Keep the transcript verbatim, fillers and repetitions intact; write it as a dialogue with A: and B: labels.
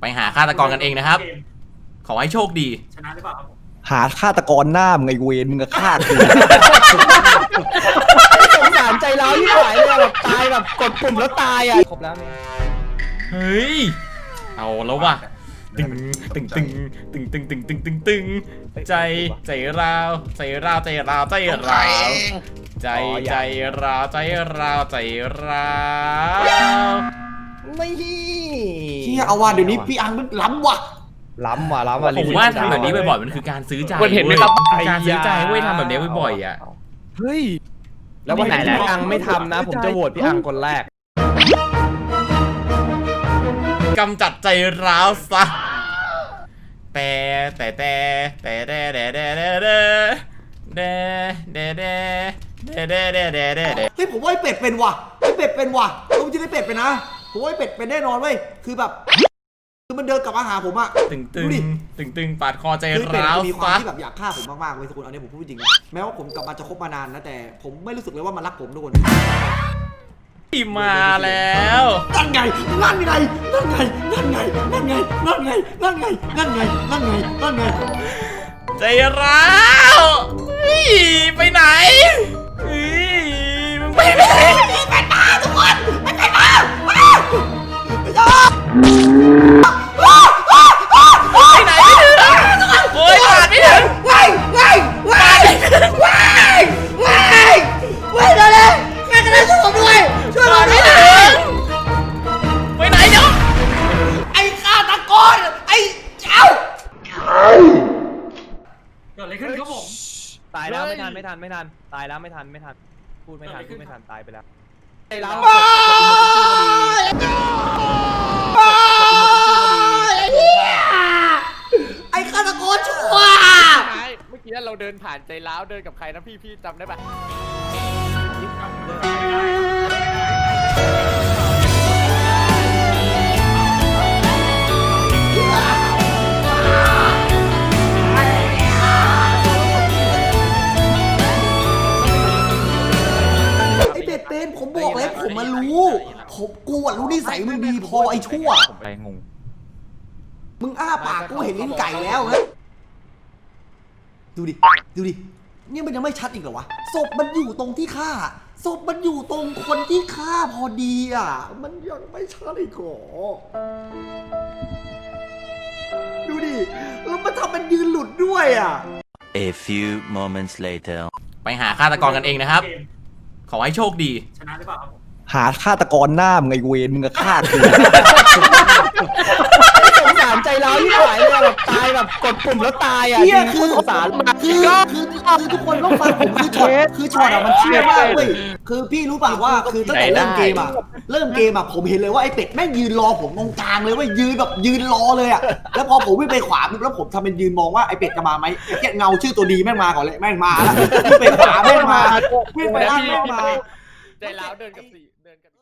A: ไปหาฆาตกรกันเองนะครับขอให้โชคดี
B: ชนะหรือเปล่าครับผม
C: หาฆาตกรหน้ามึงไอเวนมึงก็ฆ่ากูสงสารใจร้าวที่หายเลยแบบตายแบบกดปุ่มแล้วตายอ่ะครบแล้วเนี่ย
A: เฮ้ยเอาแล้วว่ะตึงตึงตึงตึงตึงตึงตึงตึงตึงใจใจราวใจราวใจราวใจราวใจใจราวใจราวใจราว
C: ไม่
B: เชี่ยเอาว่ะเดี๋ยวนี้พี่อังมันล้ำว่ะ
C: ล้ำว่ะล้ำว่ะ
A: ผมว่าทำแบบนี้บ่อยๆมันคือการซื้อใจเห็นไหมครับการซื้อใจเว้ยทำแบบนี้บ่อยๆอ่ะ
C: เฮ้ยแล้ววันไหนพี่อังไม่ทำนะผมจะโหวตพี่อังคนแรก
A: กำจัดใจร้าวซะแต่แต่แต่แต่แต่แต่แต่แต่แต่แต่แต่แต่แต่แต่แต่แต่
B: เฮ้ยผมว่าไอ้เป็ดเป็นว่ะไอ้เป็ดเป็นว่ะผมจะได้เป็ดเป็นนะผมว่าไอ้เป็ดเป็นแน่นอนเว้ยคือแบบคือมันเดินกลับมาหาผมอะ
A: ตึงตึงตึงตึงปาดคอใจ
B: ร้าวมีความ
A: ที่
B: แบบอยากฆ่าผมมากๆเว้ยทุกคนอันนี้ผมพูดจริงนะแม้ว่าผมกลับมาจะคบมานานนะแต่ผมไม่รู้สึกเลยว่ามันรักผมทุกคน
A: ที่มาแล้ว
B: นั่นไงนั่นไงนั่นไงนั่นไงนั่นไงนั่นไงนั่นไงนั่นไงนั่นไงนั่นไง
A: ใจร้าวไปไหนมึงไปไหน
B: ไปมาทุกคนไปมาไป
A: ไหนไม่ถึงโอ้ยผ่านไม่ถึง
B: ว้ายว้ายว้ายว้ายว้ายว้ายเลยใครก็ได้ช่วยผมด้วยช่วยผมด้วย
A: ไปไหนเนาะ
B: ไอ้ฆาตกรไอ้เจ้าเกิดอะไรขึ้นครับผม
C: ตายแล้วไม่ทันไม่ทันไม่ทันตายแล้วไม่ทันไม่ทันพูดไม่ทันพูดไม่ทันตายไปแล้วไอ้เรา
B: ไอ้ฆาตกรชั่ว
D: เมื่อกี้เราเดินผ่านใจร้าวเดินกับใครนะพี่พี่จำได้ปะ
B: ไอ้เป็ดเป็นผมบอกแล้วผมมารู้ผมกูอ่ะรู้นิสัยมึงดีพอไอ้ชั่ว
C: ผมไปงง
B: มึงอ้าปากกูเห็นลิ้นไก่แล้วนะดูดิดูดินี่มันยังไม่ชัดอีกเหรอวะศพมันอยู่ตรงที่ฆ่าศพมันอยู่ตรงคนที่ฆ่าพอดีอ่ะมันยังไม่ชัดอีกเหรอดูดิแล้วมันทำมันยืนหลุดด้วยอ่ะ
E: A few moments later
A: ไปหาฆาตกรกันเองนะครับขอให้โชคดี
B: ชนะหรือเปล่าครับ
C: หาฆาตกรหน้ามึงไอเวนมึงก็ฆ่ากูสงสารใจร้าวที่หายเลยแบบตายแบบกดปุ่มแล้วตายอ่ะ
B: คือ
C: สงสารมาก
B: คือคือคือทุกคนต้องฟังผมคือช็อตคือช็อตอ่ะมันเชี่ยมากเว้ยคือพี่รู้ป่ะว่าคือตั้งแต่เริ่มเกมอ่ะเริ่มเกมอ่ะผมเห็นเลยว่าไอ้เป็ดแม่งยืนรอผมตรงกลางเลยว่ายืนแบบยืนรอเลยอ่ะแล้วพอผมวิ่งไปขวาแล้วผมทำเป็นยืนมองว่าไอ้เป็ดจะมาไหมไอ้แค่เงาชื่อตัวดีแม่งมาก่อนเลยแม่งมาแล้ววิ่งไปขวาแม่งมาวิ่งไปล่างแม่งมา
D: ใจร้าวเดินกับสี่เดินกับ